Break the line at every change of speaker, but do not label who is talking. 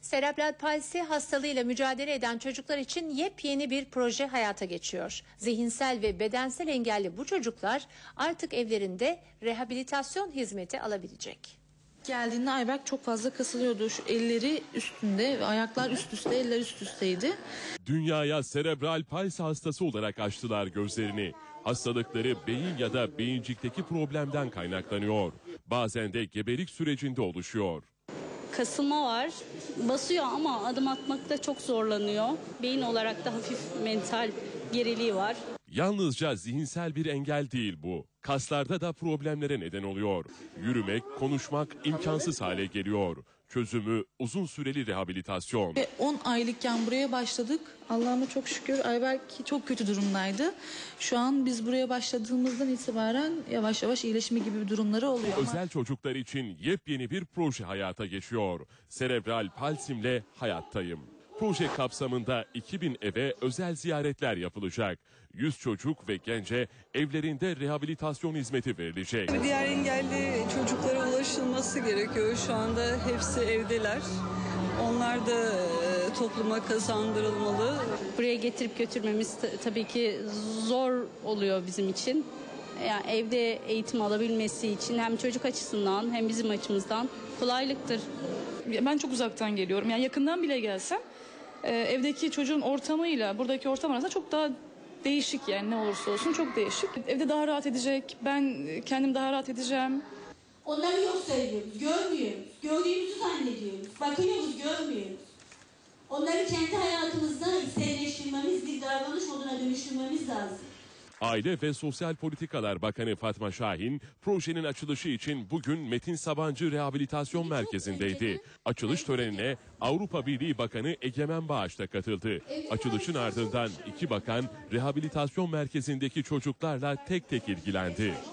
Serebral palsi hastalığıyla mücadele eden çocuklar için yepyeni bir proje hayata geçiyor. Zihinsel ve bedensel engelli bu çocuklar artık evlerinde rehabilitasyon hizmeti alabilecek.
Geldiğinde Ayberk çok fazla kasılıyordu. Şu elleri üstünde ve ayaklar üst üste, eller üst üsteydi.
Dünyaya serebral palsi hastası olarak açtılar gözlerini. Hastalıkları beyin ya da beyincikteki problemden kaynaklanıyor. Bazen de gebelik sürecinde oluşuyor.
Kasılma var, basıyor ama adım atmakta çok zorlanıyor. Beyin olarak da hafif mental geriliği var.
Yalnızca zihinsel bir engel değil bu. Kaslarda da problemlere neden oluyor. Yürümek, konuşmak imkansız hale geliyor. Çözümü uzun süreli rehabilitasyon.
10 aylıkken buraya başladık. Allah'ıma çok şükür Ayberk çok kötü durumdaydı. Şu an biz buraya başladığımızdan itibaren yavaş yavaş iyileşme gibi bir durumları oluyor.
Özel çocuklar için yepyeni bir proje hayata geçiyor. Serebral palsimle hayattayım. Proje kapsamında 2000 eve özel ziyaretler yapılacak. 100 çocuk ve gence evlerinde rehabilitasyon hizmeti verilecek.
Diğer engelli çocuklara ulaşılması gerekiyor. Şu anda hepsi evdeler. Onlar da topluma kazandırılmalı.
Buraya getirip götürmemiz tabii ki zor oluyor bizim için. Yani evde eğitim alabilmesi için hem çocuk açısından hem bizim açımızdan kolaylıktır.
Ben çok uzaktan geliyorum. Yani yakından bile gelsem evdeki çocuğun ortamıyla buradaki ortam arasında çok daha değişik, yani ne olursa olsun çok değişik. Evde daha rahat edecek, ben kendim daha rahat edeceğim.
Onları yok sayıyoruz, görmüyoruz. Gördüğümüzü zannediyoruz. Bakıyoruz, görmüyoruz. Onları kendi hayatımızda içselleştirmemiz, bir davranış moduna dönüştürmemiz lazım.
Aile ve Sosyal Politikalar Bakanı Fatma Şahin, projenin açılışı için bugün Metin Sabancı Rehabilitasyon Merkezi'ndeydi. Açılış törenine Avrupa Birliği Bakanı Egemen Bağış da katıldı. Açılışın ardından iki bakan rehabilitasyon merkezindeki çocuklarla tek tek ilgilendi.